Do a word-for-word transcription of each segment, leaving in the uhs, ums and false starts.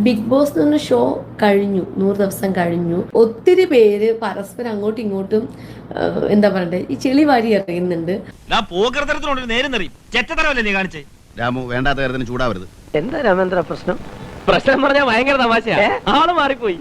Big boss എന്ന് പറഞ്ഞ show കഴിഞ്ഞു, നൂറ് ദിവസം കഴിഞ്ഞു. ഒത്തിരി പേര് പരസ്പരം അങ്ങോട്ടും ഇങ്ങോട്ടും എന്താ പറയണ്ടേ ഈ ചെളി വാരി എറിയുന്നുണ്ട്. രാമു വേണ്ടാത്ത കാര്യത്തിന് ചൂടാവരുത്. എന്താ രാമേന്ദ്ര പ്രശ്നം? പ്രശ്നം പറഞ്ഞാൽ ഭയങ്കര തമാശയാ. ആള് മാറിപ്പോയി.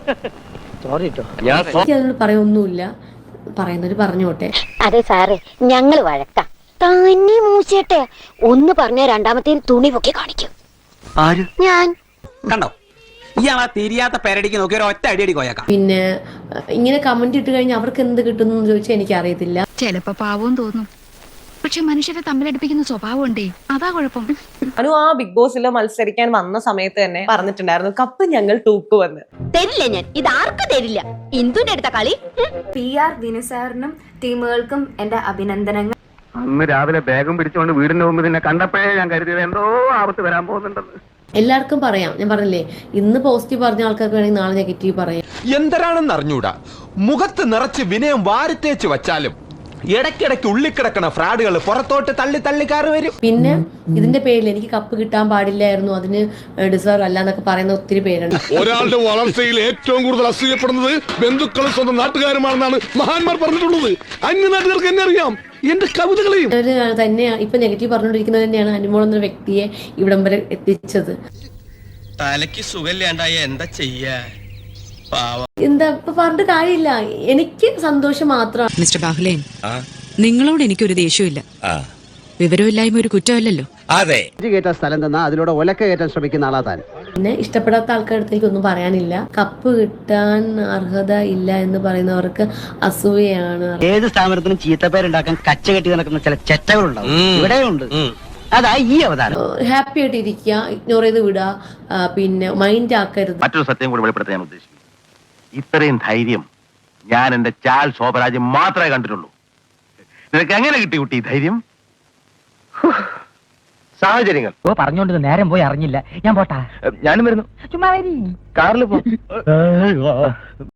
സോറി ട്ടോ. എനിക്ക് അതിനോട് പറയൊന്നുമില്ല, പറയുന്നവര് പറഞ്ഞോട്ടെ. അതെ സാറേ, ഞങ്ങള് വഴക്കാം. തന്നെ മൂച്ചേട്ടെ ഒന്ന് പറഞ്ഞ രണ്ടാമത്തെ തുണി പൊക്കി കാണിക്കും. ആര്? ഞാൻ. കണ്ടോ, ഇയാളാ തിരിയാത്ത പേരടിക്ക് നോക്കി ഒരു ഒറ്റ അടിയടി കോയക്കാം. പിന്നെ ഇങ്ങനെ കമന്റ് ഇട്ട് കഴിഞ്ഞാൽ അവർക്ക് എന്ത് കിട്ടുന്നു എന്ന് ചോദിച്ചാൽ എനിക്ക് അറിയത്തില്ല. ചിലപ്പോ പാവവും തോന്നും, പക്ഷെ മനുഷ്യരെ തമ്മിലടിപ്പിക്കുന്ന സ്വഭാവം ഉണ്ടേ, അതാ കുഴപ്പം. അനു ആ ബിഗ് ബോസിൽ മത്സരിക്കാൻ വന്ന സമയത്ത് തന്നെ പറഞ്ഞിട്ടുണ്ടായിരുന്നു കപ്പ് ഞങ്ങൾ തൂക്കുവന്ന്. തരില്ല ഞാൻ, ഇത് ആർക്കും തരില്ല. ഇന്ദുന്റെ അടുത്ത കളി. പി ആർ ദിനസാറിനും ടീമുകൾക്കും എന്റെ അഭിനന്ദനങ്ങൾ. അന്ന് രാവിലെ ബാഗും പിടിച്ചുകൊണ്ട് വീടിന്റെ മുമ്പ് നിന്നെ കണ്ടപ്പോഴേ ഞാൻ കരുതിയത് എന്തോ ആപത്ത് വരാൻ പോകുന്നുണ്ടെന്ന്. എല്ലാവർക്കും പറയാം, ഞാൻ പറഞ്ഞില്ലേ ഇന്ന് പോസിറ്റീവ് പറഞ്ഞ ആൾക്കാർക്ക് വേണമെങ്കിൽ നാളെ നെഗറ്റീവ് പറയാം. എന്തരാണെന്ന് അറിഞ്ഞൂടാ, മുഖത്ത് നിറച്ച് വിനയം വാരിത്തേച്ച് വച്ചാലും ഇടയ്ക്കിടയ്ക്ക് ഉള്ളിക്കിടക്കണ ഫ്രാഡുകൾ പുറത്തോട്ട് തള്ളി തള്ളിക്കാറ് വരും. പിന്നെ ഇതിന്റെ പേരിൽ എനിക്ക് കപ്പ് കിട്ടാൻ പാടില്ലായിരുന്നു, അതിന് ഡിസേർവ് അല്ല എന്നൊക്കെ പറയുന്ന ഒത്തിരി പേരുണ്ട്. ഒരാളുടെ വളർച്ചയിൽ ഏറ്റവും കൂടുതൽ അസൂയപ്പെടുന്നത് ബന്ധുക്കളും സ്വന്തം നാട്ടുകാരുമാണെന്നാണ് മഹാന്മാർ പറഞ്ഞിട്ടുള്ളത്. അന്യ നാട്ടുകാർക്ക് എന്നെ അറിയാം, എന്റെ കവിതകളെയും. തന്നെ ഇപ്പൊ നെഗറ്റീവ് പറഞ്ഞുകൊണ്ടിരിക്കുന്നത് തന്നെയാണ് അനുമോൾ എന്ന വ്യക്തിയെ ഇവിടം വരെ എത്തിച്ചത്. തലക്ക് സുഖമില്ലാണ്ടായ എന്താ ചെയ്യാ? എന്താ ഇപ്പൊ പറഞ്ഞിട്ട് കാര്യമില്ല, എനിക്ക് സന്തോഷം മാത്രം. മിസ്റ്റർ ബാഹുലേൻ, നിങ്ങളോട് എനിക്കൊരു ദേഷ്യമില്ല. വിവരമില്ലായ്മ ഒരു കുറ്റമല്ലല്ലോ. അതെ, കേട്ട സ്ഥലം തന്നാ അതിലൂടെ ഒലക്ക കയറ്റാൻ ശ്രമിക്കുന്ന ആളാ താൻ. പിന്നെ ഇഷ്ടപ്പെടാത്ത ആൾക്കാരുടെ അടുത്ത് എനിക്കൊന്നും പറയാനില്ല. കപ്പ് കിട്ടാൻ അർഹത ഇല്ല എന്ന് പറയുന്നവർക്ക് അസൂയയാണ്. ഏത് സ്ഥാപനത്തിനും ചീത്തപ്പേരുണ്ടാക്കാൻ കച്ച കെട്ടി നടക്കുന്ന ചില ചെറ്റകളുണ്ടാവും, ഇവിടെയുണ്ട്. അതാ ഈ അവതാരം. ഹാപ്പി ആയിട്ട് ഇരിക്കുക, ഇഗ്നോർ ചെയ്ത് വിടുക, പിന്നെ മൈൻഡ് ആക്കരുത്. മറ്റൊരു സത്യം കൂടി വെളിപ്പെടുത്താൻ ഞാൻ ഉദ്ദേശിക്കുന്നു. ഇത്രയും ധൈര്യം ഞാൻ എന്റെ ചാൽ ശോഭരാജ് മാത്രമേ കണ്ടിട്ടുള്ളൂ. നിനക്ക് എങ്ങനെ കിട്ടി കുട്ടി ധൈര്യം? സാഹചര്യങ്ങൾ. ഓ പറഞ്ഞോണ്ട് നേരം പോയി അറിഞ്ഞില്ല. ഞാൻ പോട്ടാ. ഞാനും വരുന്നു. ചുമ്മാ കാറിൽ പോ.